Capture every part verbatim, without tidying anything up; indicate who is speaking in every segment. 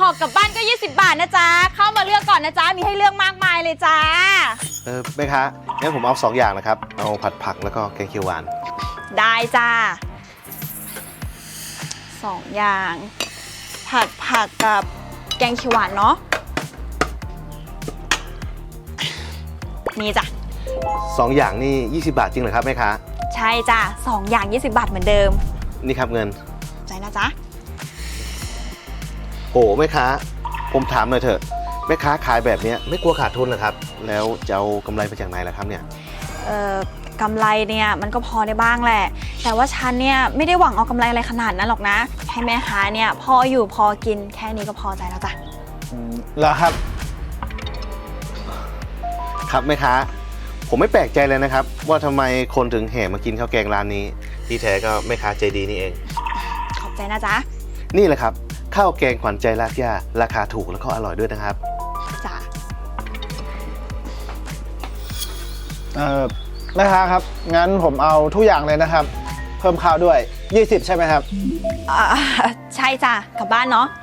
Speaker 1: ห่อกลับบ้านก็ยี่สิบบาทนะจ๊ะเข้ามาเลือกก่อนนะจ๊ะมีให้เลือกมากมายเลยจ้า
Speaker 2: เออแม่ค้างั้นผมเอาสองอย่างนะครับเอาผัดผักแล้วก็แกงเขียวหวาน
Speaker 1: ได้จ้าสองอย่างผัดผักกับแกงเขียวหวานเนาะมีจ้ะ
Speaker 2: สองอย่างนี่ยี่สิบบาทจริงเหรอครับแม่ค้า
Speaker 1: ใช่จ้ะสองอย่างยี่สิบบาทเหมือนเดิม
Speaker 2: นี่ครับเงิน
Speaker 1: ใจนะจ๊ะ
Speaker 2: โอ้แม่ค้าผมถามหน่อยเถอะแม่ค้าขายแบบนี้ไม่กลัวขาดทุนเหรอครับแล้วจะเอากำไรมาจากไหนล่ะครับเนี่ย
Speaker 1: เอ่อกำไรเนี่ยมันก็พอได้บ้างแหละแต่ว่าฉันเนี่ยไม่ได้หวังเอากำไรอะไรขนาดนั้นหรอกนะให้แม่ค้าเนี่ยพออยู่พอกินแค่นี้ก็พอใจแล้วจ้ะ
Speaker 2: เหรอครับครับแม่ค้าผมไม่แปลกใจเลยนะครับว่าทำไมคนถึงแห่มากินข้าวแกงร้านนี้ที่แท้ก็แม่ค้าใจดีนี่เอง
Speaker 1: ขอบใจนะจ๊ะ
Speaker 2: นี่แหละครับข้าวแกงขวัญใจรากหญ้าราคาถูกแล้วก็อร่อยด้วยนะครับ
Speaker 1: จ้ะ
Speaker 3: เอ่อแม่ค้าครับงั้นผมเอาทุกอย่างเลยนะครับเพิ่มข้าวด้วยยี่สิบใช่ไหมครับ
Speaker 1: อ่าใช่จ้ะกลับบ้านเนาะ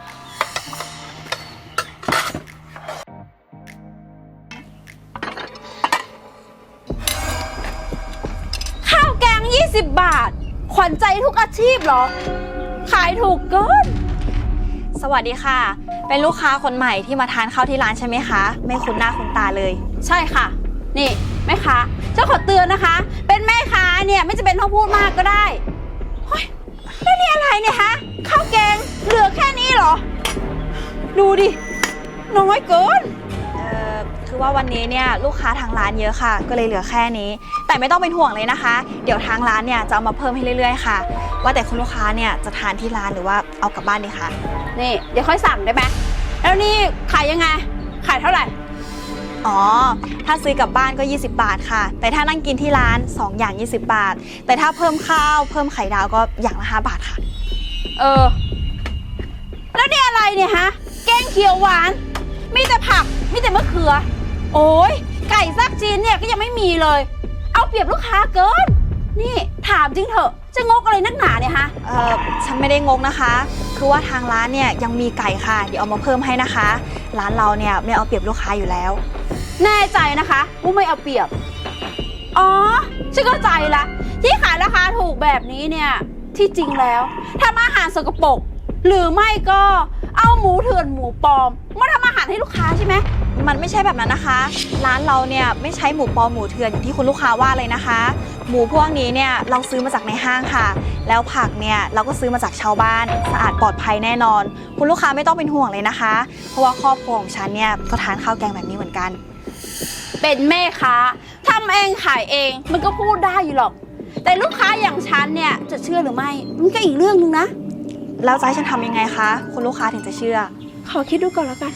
Speaker 1: ข้าวแกงยี่สิบบาทขวัญใจทุกอาชีพเหรอขายถูกเกินสวัสดีค่ะเป็นลูกค้าคนใหม่ที่มาทานข้าวที่ร้านใช่ไหมคะไม่คุ้นหน้าคุ้นตาเลย
Speaker 4: ใช่ค่ะนี่แม่ค้าเจ้าขอเตือนนะคะเป็นแม่ค้าเนี่ยไม่จะเป็นต้องพูดมากก็ได้เฮ้ยแล้วนี่อะไรเนี่ยฮะข้าวแกงเหลือแค่นี้เหรอดูดิน้อยเกิน
Speaker 1: เอ่อคือว่าวันนี้เนี่ยลูกค้าทางร้านเยอะค่ะก็เลยเหลือแค่นี้แต่ไม่ต้องเป็นห่วงเลยนะคะเดี๋ยวทางร้านเนี่ยจะเอามาเพิ่มให้เรื่อยๆค่ะว่าแต่คุณลูกค้าเนี่ยจะทานที่ร้านหรือว่าเอากลับบ้านดีคะ
Speaker 4: นี่เดี๋ยวค่อยสั่งได้ไหมแล้วนี่ขายยังไงขายเท่าไหร่
Speaker 1: อ๋อถ้าซื้อกลับบ้านก็ยี่สิบบาทค่ะแต่ถ้านั่งกินที่ร้านสองอย่างยี่สิบบาทแต่ถ้าเพิ่มข้าวเพิ่มไข่ดาวก็อย่างละห้าบาทค่ะ
Speaker 4: เออแล้วนี่อะไรเนี่ยฮะแกงเขียวหวานมีแต่ผักมีแต่มะเขือโอ้ยไก่ซักจีนเนี่ยก็ยังไม่มีเลยเอาเปรียบลูกค้าเกินนี่ถามจริงเถอะจะงกอะไรนักหนาเนี่ยฮะ
Speaker 1: เออฉันไม่ได้งกนะคะคือว่าทางร้านเนี่ยยังมีไก่ค่ะเดี๋ยวเอามาเพิ่มให้นะคะร้านเราเนี่ยไม่เอาเปรียบลูกค้าอยู่แล้ว
Speaker 4: แน่ใจนะคะว่าไม่เอาเปรียบอ๋อฉันเข้าใจละที่ขายราคาถูกแบบนี้เนี่ยที่จริงแล้วทำอาหารสกปรกหรือไม่ก็เอาหมูเถื่อนหมูปลอมมาทำอาหารให้ลูกค้าใช่ไหม
Speaker 1: มันไม่ใช่แบบนั้นนะคะร้านเราเนี่ยไม่ใช้หมูปลอมหมูเถื่อนอย่างที่คุณลูกค้าว่าเลยนะคะหมูพวกนี้เนี่ยเราซื้อมาจากในห้างค่ะแล้วผักเนี่ยเราก็ซื้อมาจากชาวบ้านสะอาดปลอดภัยแน่นอนคุณลูกค้าไม่ต้องเป็นห่วงเลยนะคะเพราะว่าครอบครัวของฉันเนี่ยก็ทานข้าวแกงแบบนี้เหมือนกัน
Speaker 4: เป็นแม่ค้าทำเองขายเองมันก็พูดได้อยู่หรอกแต่ลูกค้าอย่างฉันเนี่ยจะเชื่อหรือไม่มันก็อีกเรื่องนึงนะ
Speaker 1: แล้วจะให้ฉันทำยังไงคะคุณลูกค้าถึงจะเชื่อ
Speaker 4: ขอคิดดูก่อนแล้วกัน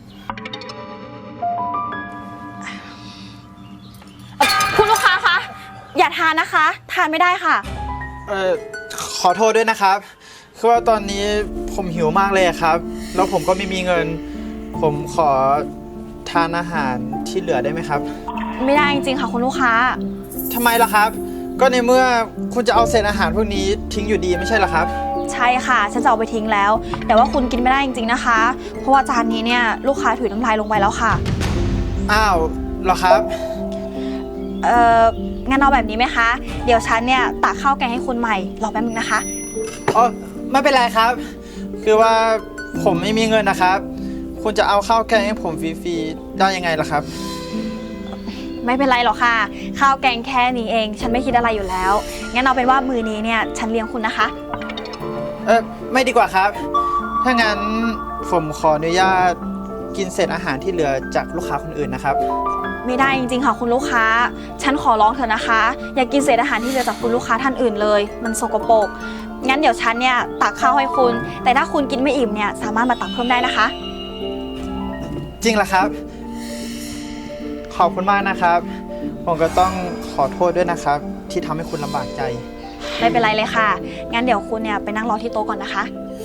Speaker 1: คุณลูกค้าคะอย่าทานนะคะทานไม่ได้ค่ะ
Speaker 3: เอ่อขอโทษด้วยนะครับคือว่าตอนนี้ผมหิวมากเลยครับแล้วผมก็ไม่มีเงินผมขอทานอาหารที่เหลือได้ไหมครับ
Speaker 1: ไม่ได้จริงๆค่ะคุณลูกค้า
Speaker 3: ทำไมล่ะครับก็ในเมื่อคุณจะเอาเศษอาหารพวกนี้ทิ้งอยู่ดีไม่ใช่หรอครับ
Speaker 1: ใช่ค่ะฉันจะเอาไปทิ้งแล้วแต่ว่าคุณกินไม่ได้จริงๆนะคะเพราะว่าจานนี้เนี่ยลูกค้าถุยน้ำลายลงไปแล้วค่ะ
Speaker 3: อ้าวเหรอครับ
Speaker 1: เอ่องั้นเอาแบบนี้ไหมคะเดี๋ยวฉันเนี่ยตักข้าวแกงให้คุณใหม่รอแป๊บนึงนะคะ
Speaker 3: อ๋อไม่เป็นไรครับคือว่าผมไม่มีเงินนะครับคุณจะเอาข้าวแกงให้ผมฟรีๆได้ยังไงล่ะครับ
Speaker 1: ไม่เป็นไรหรอกค่ะข้าวแกงแค่นี้เองฉันไม่คิดอะไรอยู่แล้วงั้นเอาเป็นว่ามื้อนี้เนี่ยฉันเลี้ยงคุณนะคะ
Speaker 3: เออไม่ดีกว่าครับถ้างั้นผมขออนุญาตกินเศษอาหารที่เหลือจากลูกค้าคนอื่นนะครับ
Speaker 1: ไม่ได้จริงๆค่ะคุณลูกค้าฉันขอร้องเถอะนะคะอย่ากินเศษอาหารที่เหลือจากคุณลูกค้าท่านอื่นเลยมันสกปรกงั้นเดี๋ยวฉันเนี่ยตักข้าวให้คุณแต่ถ้าคุณกินไม่อิ่มเนี่ยสามารถมาตักเพิ่มได้นะคะ
Speaker 3: จริงเหรอครับขอบคุณมากนะครับผมก็ต้องขอโทษด้วยนะครับที่ทำให้คุณลำบากใจ
Speaker 1: ไม่เป็นไรเลยค่ะงั้นเดี๋ยวคุณเนี่ยไปนั่งรอที่โต๊ะก่อนนะคะ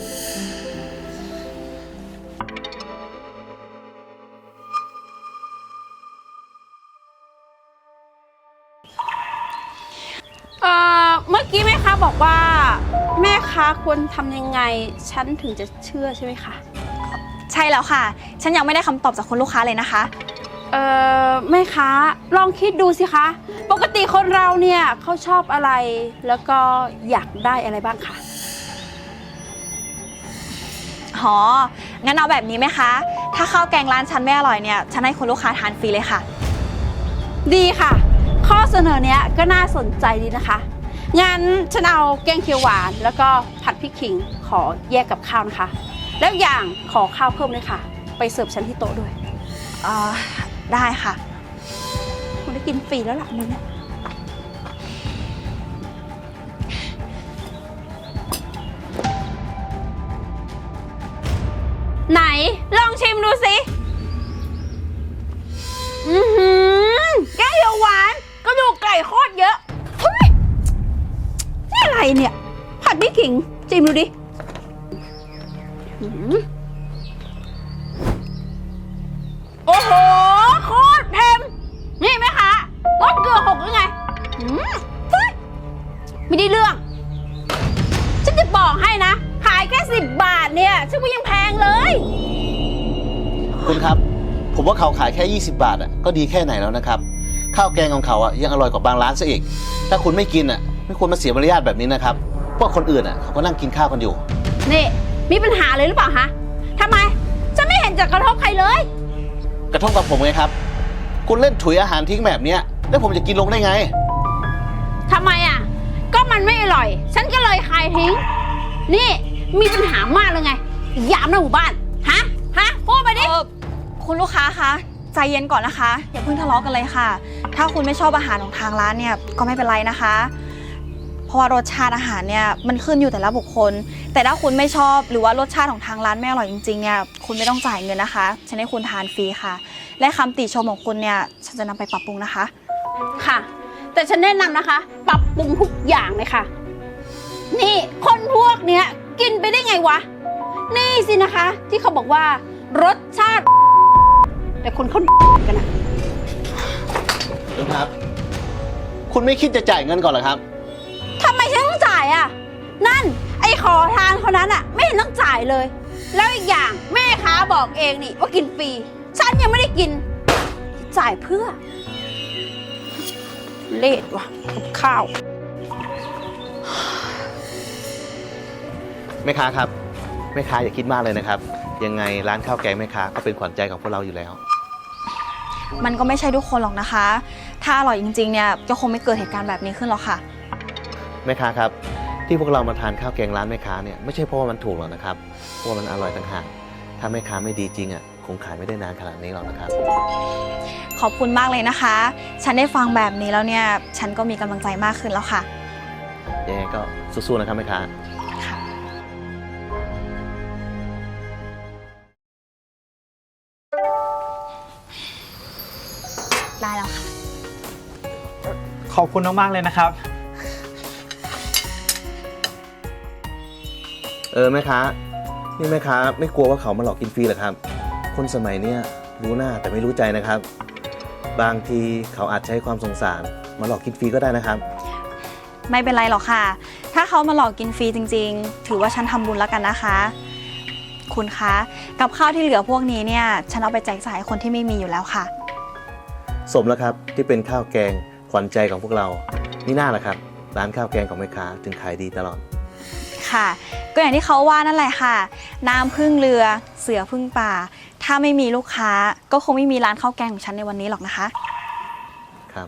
Speaker 4: เอ่อเมื่อกี้แม่ค้าบอกว่าแม่ค้าควรทำยังไงฉันถึงจะเชื่อใช่ไหมคะ
Speaker 1: ใช่แล้วค่ะ ฉันยังไม่ได้คำตอบจากคุณลูกค้าเลยนะคะ
Speaker 4: เอ่อแม่ค้าลองคิดดูสิคะ ปกติคนเราเนี่ยเขาชอบอะไรแล้วก็อยากได้อะไรบ้างคะ
Speaker 1: หอ งั้นเอาแบบนี้ไหมคะ ถ้าข้าวแกงร้านฉันไม่อร่อยเนี่ย ฉันให้คุณลูกค้าทานฟรีเลยค่ะ
Speaker 4: ดีค่ะ ข้อเสนอเนี้ยก็น่าสนใจดีนะคะ งั้นฉันเอาแกงเขียวหวานแล้วก็ผัดพริกขิงขอแยกกับข้าวนะคะ แล้วอย่างขอข้าวเพิ่มเลยค่ะ ไปเสิร์ฟฉันที่โต๊ะด้วย
Speaker 1: เอ่อ ได้ค่ะ
Speaker 4: คุณได้กินฟรีแล้วล่ะมื้อนี้ไหนลองชิมดูสิ อือหือแกงเขียวหวานกระดูกไก่โคตรเยอะเฮ้ยนี่อะไรเนี่ย ผัดพริกขิงชิมดูดิอื้อหือโอ้โห โคตรเค็มนี่ไหมคะรสเกลือหกหรือไงอืมเฮ้ยไม่ได้เรื่อง ฉันจะบอกให้นะ ขายแค่สิบบาทเนี่ยฉันว่ายังแพงเลย
Speaker 2: คุณครับ ผมว่าเขาขายแค่ยี่สิบบาทอ่ะก็ดีแค่ไหนแล้วนะครับ ข้าวแกงของเขาอ่ะยังอร่อยกว่าบางร้านซะอีก ถ้าคุณไม่กินอ่ะไม่ควรมาเสียมารยาทแบบนี้นะครับพวกคนอื่นอ่ะเขาก็นั่งกินข้าวกันอยู่
Speaker 4: นี่มีปัญหาเลยหรือเปล่าฮะทำไม ฉันไม่เห็นจะกระทบใครเลย
Speaker 2: กระทบกับผมไงครับ คุณเล่นถุยอาหารทิ้งแบบเนี้ยแล้วผมจะกินลงได้ไง
Speaker 4: ทำไมอ่ะ ก็มันไม่อร่อย ฉันก็เลยขายทิ้ง นี่มีปัญหามากเลยไงยามในหมู่บ้าน ฮะ ฮะ พูดไปดิ
Speaker 1: เออคุณลูกค้าคะใจเย็นก่อนนะคะ อย่าเพิ่งทะเลาะกันเลยค่ะ ถ้าคุณไม่ชอบอาหารของทางร้านเนี่ยก็ไม่เป็นไรนะคะ เพราะว่ารสชาติอาหารเนี่ยมันขึ้นอยู่แต่ละบุคคล แต่ถ้าคุณไม่ชอบหรือว่ารสชาติของทางร้านไม่อร่อยจริงๆเนี่ยคุณไม่ต้องจ่ายเงินนะคะฉันให้คุณทานฟรีค่ะ และคำติชมของคุณเนี่ยฉันจะนำไปปรับปรุงนะคะ
Speaker 4: ค่ะ แต่ฉันแนะนำนะคะ ปรับปรุงทุกอย่างเลยค่ะ นี่คนพวกเนี้ยกินไปได้ไงวะ นี่สินะคะ ที่เขาบอกว่ารสชาติ แต่คนเขากันนะ
Speaker 2: คุณครับ คุณไม่คิดจะจ่ายเงินก่อนเหรอครับ
Speaker 4: ทำไมฉันต้องจ่ายอ่ะ นั่น ไอ้ขอทานคนนั้นอ่ะ ไม่เห็นต้องจ่ายเลย แล้วอีกอย่างแม่ค้าบอกเองนี่ว่ากินฟรี ฉันยังไม่ได้กิน จ่ายเพื่อ เลดว่ะกับข้าว
Speaker 2: แม่ค้าครับแม่ค้าอย่าคิดมากเลยนะครับ ยังไงร้านข้าวแกงแม่ค้าก็เป็นขวัญใจของพวกเราอยู่แล้ว
Speaker 1: มันก็ไม่ใช่ทุกคนหรอกนะคะ ถ้าอร่อยจริงๆเนี่ยก็คงไม่เกิดเหตุการณ์แบบนี้ขึ้นหรอกค่ะ
Speaker 2: แม่ค้าครับที่พวกเรามาทานข้าวแกงร้านแม่ค้าเนี่ยไม่ใช่เพราะว่ามันถูกหรอกนะครับเพราะว่ามันอร่อยต่างหากถ้าแม่ค้าไม่ดีจริงอ่ะคงขายไม่ได้นานขนาดนี้หรอกนะครับ
Speaker 1: ขอบคุณมากเลยนะคะ ฉันได้ฟังแบบนี้แล้วเนี่ยฉันก็มีกำลังใจมากขึ้นแล้วค่ะ
Speaker 2: ยังไงก็สู้ๆนะครับแม่ค้า
Speaker 1: ค่ะ ได้แล้วค่ะ
Speaker 3: ขอบคุณมากๆเลยนะครับ
Speaker 2: เออแม่ค้านี่แม่ค้าไม่กลัวว่าเขามาหลอกกินฟรีเหรอครับ คนสมัยเนี้ยรู้หน้าแต่ไม่รู้ใจนะครับ บางทีเขาอาจใช้ความสงสารมาหลอกกินฟรีก็ได้นะครับ
Speaker 1: ไม่เป็นไรหรอกค่ะ ถ้าเขามาหลอกกินฟรีจริงๆ ถือว่าฉันทำบุญแล้วกันนะคะ คุณคะ กับข้าวที่เหลือพวกนี้เนี่ย ฉันเอาไปแจกจ่ายให้คนที่ไม่มีอยู่แล้วค่ะ
Speaker 2: สมแล้วครับที่เป็นข้าวแกงขวัญใจของพวกเรานี่น่าแหละครับร้านข้าวแกงของแม่ค้าจึงขายดีตลอด
Speaker 1: ค่ะ ก็อย่างที่เขาว่านั่นแหละค่ะ น้ำพึ่งเรือ เสือพึ่งป่า ถ้าไม่มีลูกค้า ก็คงไม่มีร้านข้าวแกงของฉันในวันนี้หรอกนะคะ
Speaker 2: ครับ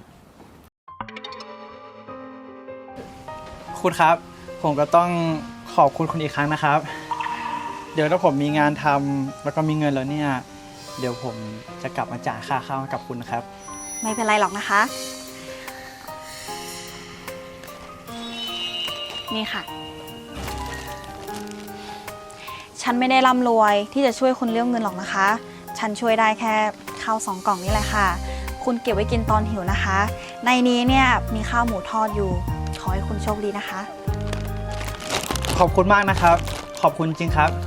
Speaker 3: คุณครับ ผมก็ต้องขอบคุณคุณอีกครั้งนะครับ เดี๋ยวถ้าผมมีงานทำแล้วก็มีเงินแล้วเนี่ยเดี๋ยวผมจะกลับมาจ่ายค่าข้าวให้กับคุณนะครับ
Speaker 1: ไม่เป็นไรหรอกนะคะ นี่ค่ะ ฉันไม่ได้ร่ำรวยที่จะช่วยคุณเรื่องเงินหรอกนะคะ ฉันช่วยได้แค่ข้าวสองกล่องนี่แหละค่ะ คุณเก็บไว้กินตอนหิวนะคะ ในนี้เนี่ยมีข้าวหมูทอดอยู่ ขอให้คุณโชคดีนะคะ
Speaker 3: ขอบคุณมากนะครับ ขอบคุณจริงครับ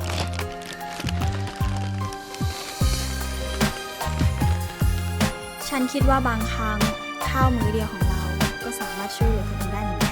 Speaker 1: ฉันคิดว่าบางครั้งข้าวมื้อเดียวของเราก็สามารถช่วยเหลือคนอื่นได้เหมือนกัน